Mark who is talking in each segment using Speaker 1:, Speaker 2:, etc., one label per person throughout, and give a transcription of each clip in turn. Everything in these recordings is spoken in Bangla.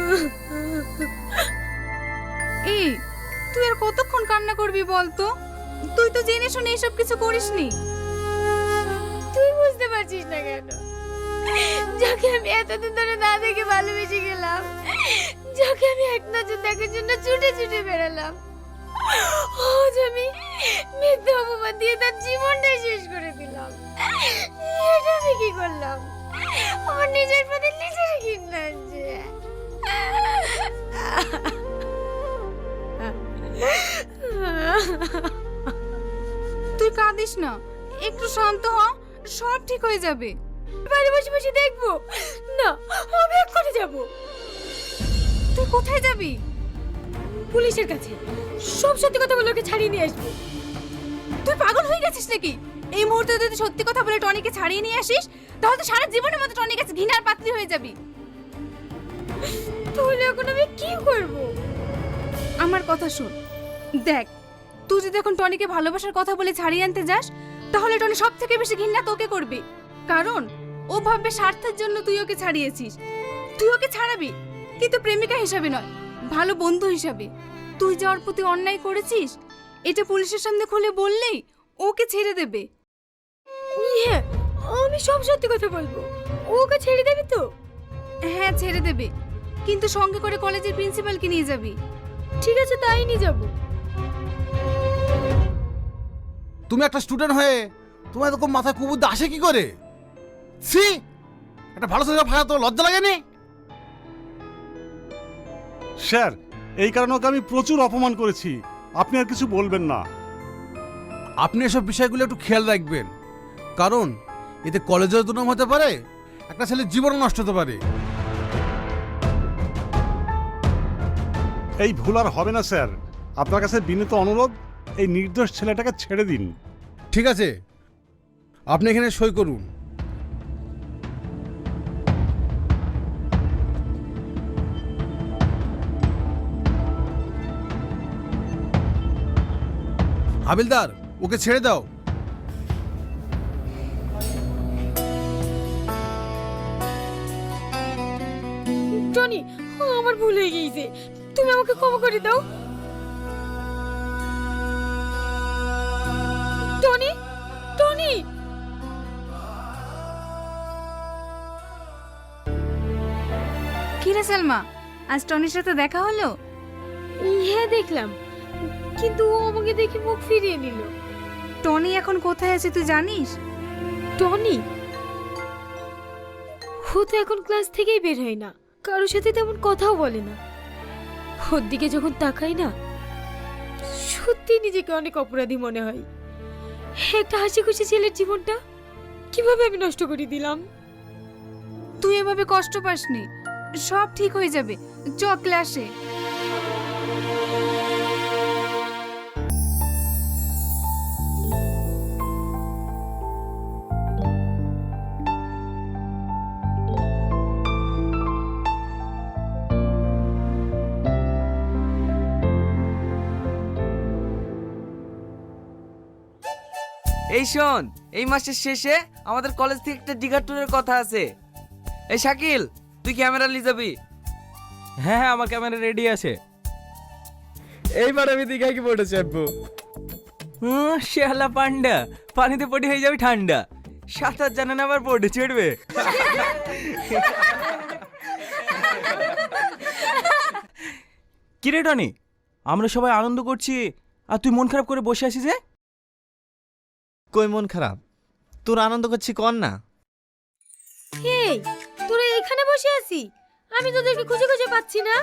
Speaker 1: এই, তুই আর কতক্ষণ কান্না করবি বলতো? তুই তো জেনে শুনে এসব কিছু করিসনি।
Speaker 2: তুই বুঝতে পারছিস না কেন? যাকে আমি এতদিন ধরে না দেখে ভালোবেসে গেলাম, যাকে আমি এক নজর দেখার জন্য ছুটে ছুটে বেড়ালাম, আজ আমি মিথ্যা অপবাদ দিয়ে তার জীবনটাই শেষ করে দিলাম। এটা আমি কি করলাম? আমার নিজের প্রতি নিজের ঘৃণা আছে।
Speaker 1: তুই কাঁদিস না, একটু শান্ত হ, সব ঠিক হয়ে যাবে।
Speaker 2: বাড়ি বসে বসে দেখবো না, আমি এক্ষুনি যাবো।
Speaker 1: তুই কোথায় যাবি?
Speaker 2: পুলিশের কাছে সব সত্যি কথা বলে ওকে ছাড়িয়ে নিয়ে আসবো।
Speaker 1: তুই পাগল হয়ে গেছিস নাকি? এই মুহূর্তে যদি সত্যি কথা বলে টনিকে ছাড়িয়ে নিয়ে আসিস, তাহলে তো সারা জীবনের মতো টনির কাছে ঘৃণার পাত্রী হয়ে যাবি।
Speaker 2: তাহলে এখন আমি কি করব?
Speaker 1: আমার কথা শোন, দেখ, তুই যদি এখন টনিকে ভালোবাসার কথা বলে ছাড়িয়ে আনতে যাস, তাহলে টনি সব থেকে বেশি ঘৃণা তোকে করবে। কারণ ও ভাববে স্বার্থের জন্য তুই ওকে ছাড়িয়েছিস। তুই ওকে ছাড়াবি, কিন্তু প্রেমিকা হিসাবে নয়, ভালো বন্ধু হিসাবে। তুই যে ওর প্রতি অন্যায় করেছিস, এটা পুলিশের সামনে খুলে বললেই ওকে ছেড়ে দেবে।
Speaker 2: হ্যাঁ, আমি সব সত্যি কথা বলবো। ওকে ছেড়ে দেবি তো?
Speaker 1: হ্যাঁ, ছেড়ে দেবে, কিন্তু সঙ্গে করে কলেজের প্রিন্সিপালকে নিয়ে যাবি।
Speaker 2: ঠিক আছে, তাই নিয়ে যাবো।
Speaker 3: তুমি একটা স্টুডেন্ট হয়ে তোমার এরকম মাথায় কুবুদ্ধি আসে কি করে? ছি, একটা ভালো ছেলে ভাড়া তো লজ্জা লাগেনি?
Speaker 4: স্যার, এই কারণে ওকে আমি প্রচুর অপমান করেছি। আপনি আর কিছু বলবেন না।
Speaker 3: আপনি এসব বিষয়গুলো একটু খেয়াল রাখবেন, কারণ এতে কলেজের দুর্নাম হতে পারে, একটা ছেলের জীবন নষ্ট হতে পারে।
Speaker 4: এই ভুল আর হবে না স্যার। আপনার কাছে বিনীত অনুরোধ, এই নির্দোষ ছেলেটাকে ছেড়ে দিন।
Speaker 3: ঠিক আছে, আপনি এখানে সই করুন। হাবিলদার, ওকে ছেড়ে দাও।
Speaker 2: টনি, আমার ভুল হয়ে গিয়েছে, তুমি আমাকে ক্ষমা করে দাও। Tony, Tony.
Speaker 1: কি রে সালমা, আজ টনির সাথে দেখা হলো?
Speaker 2: হ্যাঁ, দেখলাম, কিন্তু ও আমাকে দেখে মুখ ফিরিয়ে নিল।
Speaker 1: টনি এখন কোথায় আছে তুই জানিস?
Speaker 2: টনি? ও তো এখন ক্লাস থেকেই বের হয় না, কারোর সাথে তেমন কথাও বলে না। ওর দিকে যখন তাকাই না, সত্যি নিজেকে অনেক অপরাধী মনে হয়। একটা হাসি খুশি ছেলের জীবনটা কিভাবে আমি নষ্ট করে দিলাম।
Speaker 1: তুই এভাবে কষ্ট পাসনি, সব ঠিক হয়ে যাবে। চ ক্লাসে।
Speaker 5: এই শোন, এই মাসের শেষে আমাদের কলেজ থেকে একটা দীঘা ট্যুরের কথা আছে। এই শাকিল, তুই ক্যামেরা নিয়ে যাবি?
Speaker 6: হ্যাঁ হ্যাঁ, আমার ক্যামেরা রেডি আছে। এইবার আমি দীঘায় কি পড়ে চাপবো? শেহালা পান্ডা, পানিতে পড়ে হয়ে যাবে ঠান্ডা। সাঁতার জানে না আবার পড়ে চড়বে। কিরে টনি, আমরা সবাই আনন্দ করছি আর তুই মন খারাপ করে বসে আছিস যে?
Speaker 7: কই মন খারাপ? তোর আনন্দ করছি কর না।
Speaker 2: এই, তোরা এখানে বসে আছি, আমি তোদেরকে খুঁজে খুঁজে পাচ্ছি না।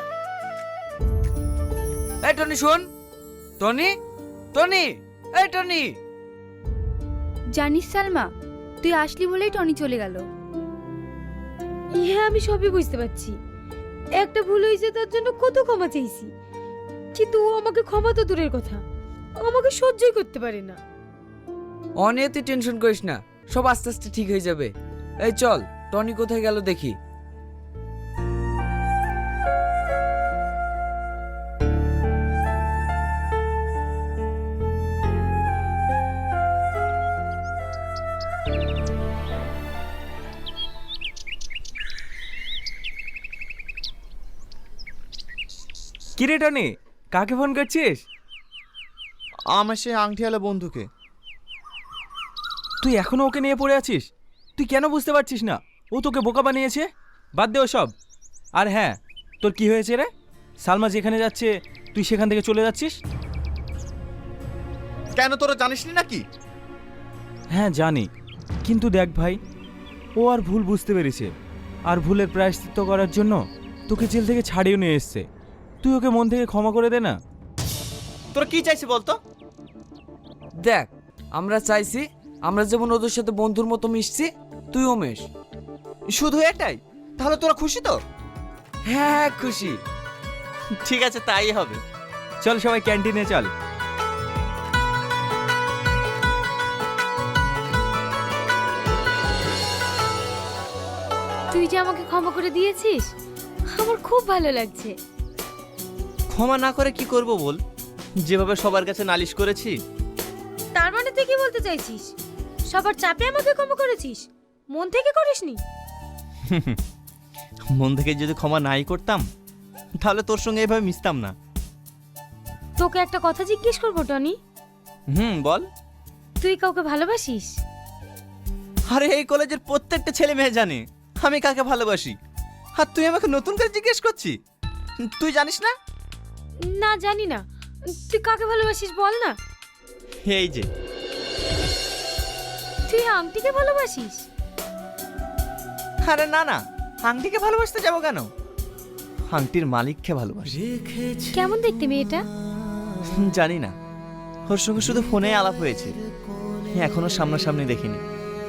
Speaker 5: এই টনি শোন, টনি, টনি, এই টনি।
Speaker 8: জানিস সালমা, তুই আসলি বলেই টনি চলে গেল।
Speaker 2: হ্যাঁ, আমি সবই বুঝতে পারছি। একটা ভুল হয়েছে, তার জন্য কত ক্ষমা চাইছি, কিন্তু ও আমাকে ক্ষমা তো দূরের কথা, আমাকে সহ্যই করতে পারে না।
Speaker 5: অনেক তুই টেনশন করিস না, সব আস্তে আস্তে ঠিক হয়ে যাবে। এই চল, টনি কোথায় গেল দেখি।
Speaker 6: কি রে টনি, কাকে ফোন করছিস?
Speaker 7: আমার সে আংটিওয়ালা বন্ধুকে।
Speaker 6: তুই এখনো ওকে নিয়ে পড়ে আছিস? তুই কেন বুঝতে পারছিস না ও তোকে বোকা বানিয়েছে? বাদ দে সব। আর হ্যাঁ, তোর কি হয়েছে রে? সালমা যেখানে যাচ্ছে তুই সেখান থেকে চলে যাচ্ছিস?
Speaker 7: কেন, তোরা জানিসনি নাকি?
Speaker 6: হ্যাঁ জানি, কিন্তু দেখ ভাই, ও আর ভুল বুঝতে পেরেছে, আর ভুলের প্রায়শ্চিত্ত করার জন্য তোকে জেল থেকে ছাড়িয়ে নিয়ে এসছে। তুই ওকে মন থেকে ক্ষমা করে দে না।
Speaker 7: তোরা কি চাইছিস বলতো?
Speaker 5: দেখ, আমরা চাইছি আমরা যেমন ওদের সাথে বন্ধুর মতো মিশছি, তুইও মেশ।
Speaker 7: শুধু এটাই? তাহলে তোরা খুশি তো?
Speaker 5: হ্যাঁ খুশি।
Speaker 7: ঠিক আছে, তাই হবে।
Speaker 6: চল সবাই ক্যান্টিনে চল।
Speaker 2: তুই যে আমাকে ক্ষমা করে দিয়েছিস, আমার খুব ভালো লাগছে।
Speaker 7: ক্ষমা না করে কি করব বল? যেভাবে সবার কাছে নালিশ করেছি।
Speaker 2: তার মানে তুই কি বলতে চাইছিস? সবার চাপে আমাকে ক্ষমা করেছিস, মন থেকে করিসনি?
Speaker 7: মন থেকে যদি ক্ষমা নাই করতাম তাহলে তোর সঙ্গে এভাবে মিশতাম না।
Speaker 2: তোকে একটা কথা জিজ্ঞেস করবো টনি,
Speaker 7: বল।
Speaker 2: তুই কাউকে ভালোবাসিস?
Speaker 7: আরে এই কলেজের প্রত্যেকটা ছেলে মেয়ে জানে আমি কাকে ভালোবাসি, আর তুই আমাকে নতুন করে জিজ্ঞেস করছিস? তুই জানিস না?
Speaker 2: না জানি না, তুই কাকে ভালোবাসিস বল না।
Speaker 7: এই যে,
Speaker 2: তুই আংটিকে ভালোবাসিস?
Speaker 7: আরে না না, আংটিকে ভালোবাসতে যাবো কেন? আংটির মালিককে ভালোবাসি।
Speaker 2: কেমন দেখতে মেয়েটা?
Speaker 7: জানি না, ওর সঙ্গে শুধু ফোনে আলাপ হয়েছে, এখনো সামনাসামনি দেখিনি।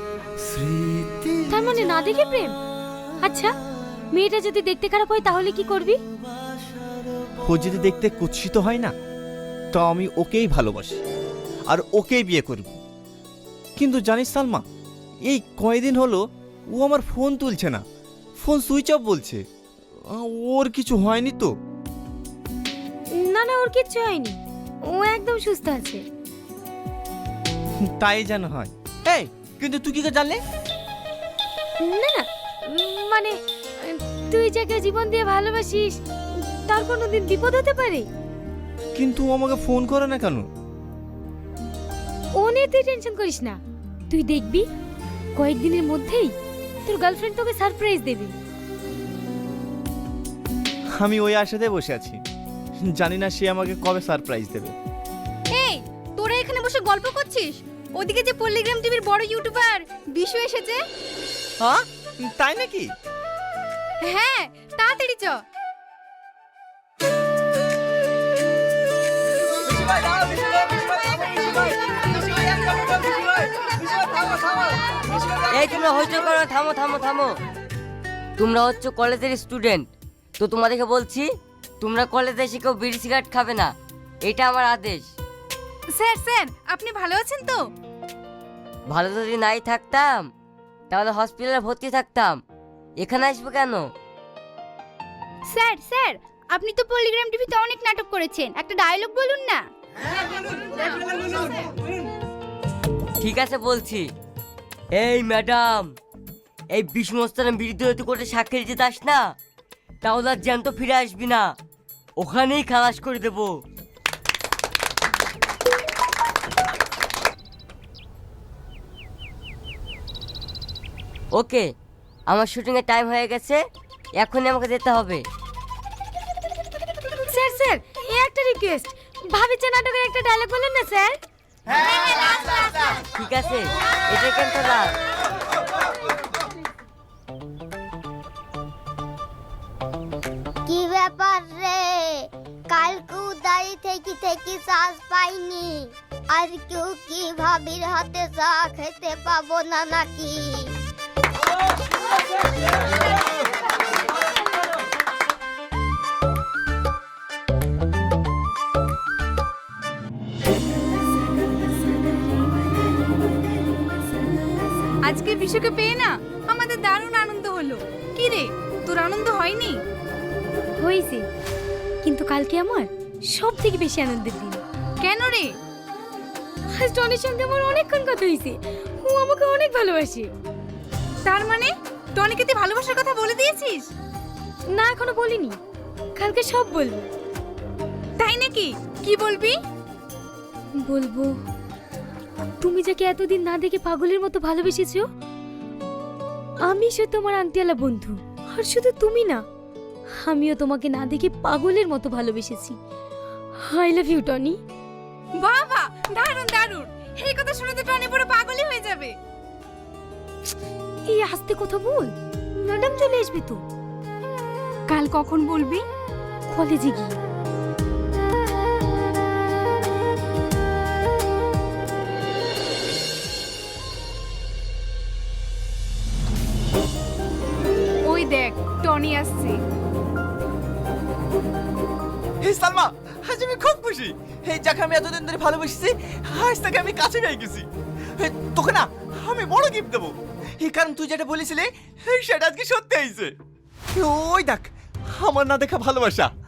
Speaker 2: তার মানে না দেখে প্রেম? আচ্ছা, মেয়েটা যদি দেখতে খারাপ হয় তাহলে কি করবি?
Speaker 7: ও যদি দেখতে কুৎসিত হয় না, তো আমি ওকেই ভালোবাসি আর ওকেই বিয়ে করব। কিন্তু জানিস সালমা, এই কয়দিন হলো ও আমার ফোন তুলছে না, ফোন সুইচ অফ বলছে। ওর কিছু হয়নি তো?
Speaker 2: না না, ওর কিচ্ছু হয়নি, ও একদম সুস্থ আছে।
Speaker 7: তাই যেন হয়। এই, কিন্তু তুই কি করে জানলে?
Speaker 2: না না, মানে তুই যাকে জীবন দিয়ে ভালোবাসিস তার কোনোদিন বিপদ হতে পারে?
Speaker 7: কিন্তু ও আমাকে ফোন করে না কেন?
Speaker 2: ও নিয়ে তুই টেনশন করিস না, তুই দেখবি কয়েকদিনের মধ্যেই তোর গার্লফ্রেন্ড তোকে সারপ্রাইজ দেবে।
Speaker 7: আমি ওই আশাতে বসে আছি, জানি না সে আমাকে কবে সারপ্রাইজ দেবে।
Speaker 1: এই, তোরা এখানে বসে গল্প করছিস, ওদিকে যে পল্লিগ্রাম টিভির বড় ইউটিউবার বিশু এসেছে।
Speaker 7: হ্যাঁ, তাই নাকি?
Speaker 1: হ্যাঁ, তাড়াতাড়ি চ।
Speaker 9: এই তোমরা হইচই করো না, থামো থামো থামো। তোমরা হচ্ছে কলেজের স্টুডেন্ট, তো তোমাদেরকে বলছি তোমরা কলেজে এসে কেউ বিড়ি সিগারেট খাবে না, এটা আমার আদেশ।
Speaker 1: স্যার স্যার, আপনি ভালো আছেন তো?
Speaker 9: ভালো যদি নাই থাকতাম তাহলে হসপিটালে ভর্তি থাকতাম, এখানে আসবো কেন?
Speaker 8: স্যার স্যার, আপনি তো পল্লিগ্রাম টিভিতে অনেক নাটক করেছেন, একটা ডায়লগ বলুন না।
Speaker 9: ঠিক আছে বলছি। এই ম্যাডাম, এই বিষ্ণুস্থানের বিরুদ্ধে কোর্টে সাক্ষী দিতে যাস না, তাহলে আর জ্যান্ত ফিরে আসবি না, ওখানেই খালাস করে দেবো। ওকে, আমার শুটিংয়ের টাইম হয়ে গেছে, এখনই আমাকে যেতে হবে।
Speaker 2: স্যার স্যার, এই একটা রিকোয়েস্ট, ভাবিছে নাটকের একটা ডায়লগ বলুন না স্যার।
Speaker 9: ঠিক আছে, এটা কেন তোলা?
Speaker 10: কি ব্যাপার রে, কালকে উদারি থেকে থেকে শ্বাস পাইনি, আর কেউ কি ভাবির হাতে চা খেতে পাবো না নাকি?
Speaker 1: আজকে বিশুকে পেয়ে না আমাদের দারুণ আনন্দ হলো। কি রে, তোর আনন্দ হয়নি?
Speaker 2: হয়েছে, কিন্তু কালকে আমার সব থেকে বেশি আনন্দের দিন।
Speaker 1: কেন রে?
Speaker 2: আজ টনির সঙ্গে আমার অনেকক্ষণ কথা হয়েছে, ও আমাকে অনেক ভালোবাসে।
Speaker 1: তার মানে টনিকে তুই ভালোবাসার কথা বলে দিয়েছিস?
Speaker 2: না, এখনো বলিনি, কালকে সব বলবো।
Speaker 1: নাকি? কি বলবি?
Speaker 2: বলবো তুমি যাকে এতদিন না দেখে পাগলের মতো ভালোবেসেছো, আমি সে তোমার আংটিওয়ালা বন্ধু। আর শুধু তুমি না, আমিও তোমাকে না দেখে পাগলের মতো ভালোবেসেছি। I love you Tony.
Speaker 1: বাবা, দারুণ দারুণ। এই কথা শুনে তো টনি পুরো পাগলই হয়ে যাবে।
Speaker 2: এই আস্তে কথা বল, ম্যাডাম চলে আসবে তো।
Speaker 1: কাল কখন বলবি?
Speaker 2: কলেজে গিয়ে।
Speaker 1: ওই দেখ, টনি আসছে।
Speaker 7: হে সালমা, আজ আমি খুব খুশি। এই যাকে আমি এতদিন ধরে ভালোবেসেছি, আজ তাকে আমি কাছে পেয়ে গেছি। তোকে না আমি বড় গিফট দেবো, এই কারণ তুই যেটা বলেছিলি সেটা আজকে সত্যি হয়েছে। ওই দেখ, আমার না দেখা ভালোবাসা।